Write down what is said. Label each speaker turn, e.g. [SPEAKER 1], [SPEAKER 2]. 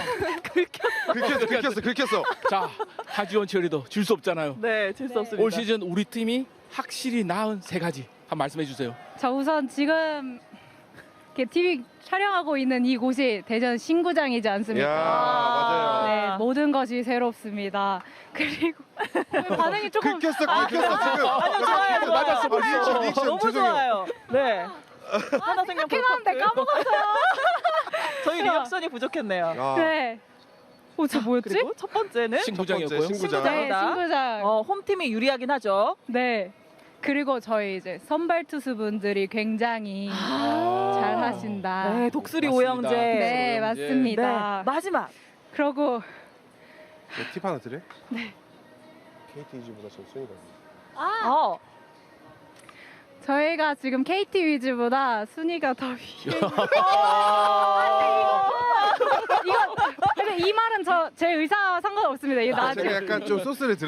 [SPEAKER 1] 긁혔어.
[SPEAKER 2] 자, 하지원 치어리더 질 수 없잖아요.
[SPEAKER 3] 네, 질 수 없습니다.
[SPEAKER 2] 올 시즌 우리 팀이 확실히 나은 세 가지 한 말씀해 주세요.
[SPEAKER 4] 자, 우선 지금 이렇게 TV 촬영하고 있는 이곳이 대전 신구장이지
[SPEAKER 1] 야,
[SPEAKER 4] 않습니까?
[SPEAKER 1] 맞아요.
[SPEAKER 4] 네, 모든 것이 새롭습니다. 그리고 반응이 조금
[SPEAKER 1] 긁혔어 지금.
[SPEAKER 3] 아니요, 좋아요.
[SPEAKER 2] 맞았어,
[SPEAKER 1] 리액션
[SPEAKER 3] 너무
[SPEAKER 1] 죄송해요.
[SPEAKER 3] 좋아요. 네. 하나 생명
[SPEAKER 4] 해놨는데 까먹었어요.
[SPEAKER 3] 저희 리액션이 부족했네요.
[SPEAKER 1] 아,
[SPEAKER 4] 네. 저 뭐였지?
[SPEAKER 3] 그리고 첫 번째는
[SPEAKER 2] 신구장이었고요.
[SPEAKER 1] 신구장.
[SPEAKER 4] 네, 신구장.
[SPEAKER 3] 홈팀이 유리하긴 하죠.
[SPEAKER 4] 네. 그리고 저희 이제 선발 투수분들이 굉장히 잘 하신다.
[SPEAKER 3] 네, 독수리
[SPEAKER 2] 맞습니다.
[SPEAKER 3] 오영재.
[SPEAKER 4] 네,
[SPEAKER 2] 오영재.
[SPEAKER 4] 맞습니다.
[SPEAKER 3] 네, 마지막.
[SPEAKER 4] 그러고
[SPEAKER 1] 팁 하나 드려? 네. KT 이즈보다 전 순위가.
[SPEAKER 4] 저희가 지금 KT 위즈보다 순위가 더 위에. 이거 근데 이 말은 제 의사와 상관없습니다. 이거
[SPEAKER 1] 제가
[SPEAKER 4] 나중에
[SPEAKER 1] 약간 좀 소스를